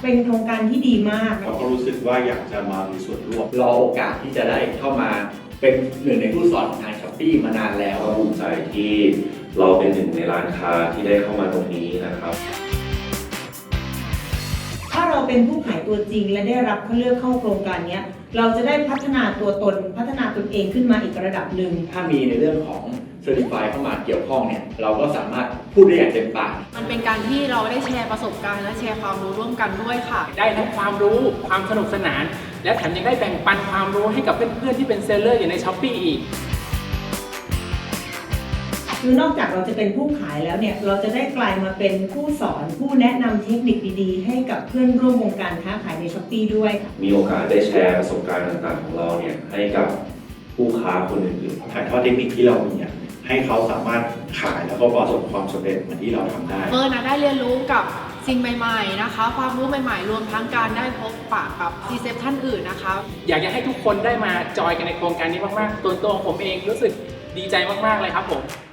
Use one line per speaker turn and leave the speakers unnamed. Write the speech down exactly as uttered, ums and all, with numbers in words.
เป็นโครงการที่ดีมาก
เราก็รู้สึกว่าอยากจะมามีส่วนร่วม
รอโอกาสที่จะได้เข้ามาเป็นหนึ่งในผู้สอนของทาง Shopee มานานแล้ว
ก็ภูมิใจที่เราเป็นหนึ่งในร้านค้าที่ได้เข้ามาตรงนี้นะครับ
ถ้าเราเป็นผู้ขายตัวจริงและได้รับเขาเลือกเข้าโครงการนี้เราจะได้พัฒนาตัวตนพัฒนาตนเองขึ้นมาอีกระดับหนึ่ง
ถ้ามีในเรื่องของ Certify เข้ามาเกี่ยวข้องเนี่ยเราก็สามารถพูดได้อย่างเต็มปาก
มันเป็นการที่เราได้แชร์ประสบการณ์และแชร์ความรู้ร่วมกันด้วยค่ะ
ได้ทั้งความรู้ความสนุกสนานและแถมยังได้แบ่งปันความรู้ให้กับเพื่อนๆที่เป็นเซลเลอร์อยู่ใน Shopee อีก
คือนอกจากเราจะเป็นผู้ขายแล้วเนี่ยเราจะได้กลายมาเป็นผู้สอนผู้แนะนำเทคนิคดีๆให้กับเพื่อนร่วมวงการค้าขายใน Shopee ด้วย
มีโอกาสได้แชร์ประสบการณ์ต่างๆของเราเนี่ยให้กับผู้ค้าคนอื่น
ๆถ่ายทอดเทคนิคที่เรามีเนี่ยให้เขาสามารถขายแล้วก็ประสบความสำเร็จเหมือนที่เราทำได้
เฟิร์นนะได้เรียนรู้กับสิ่งใหม่ๆนะคะความรู้ใหม่ๆรวมทั้งการได้พบปะกับรีเซพชันอื่นนะคะ
อยากจะให้ทุกคนได้มาจอยกันในโครงการนี้มากๆตัวตัวของผมเองรู้สึกดีใจมากๆเลยครับผม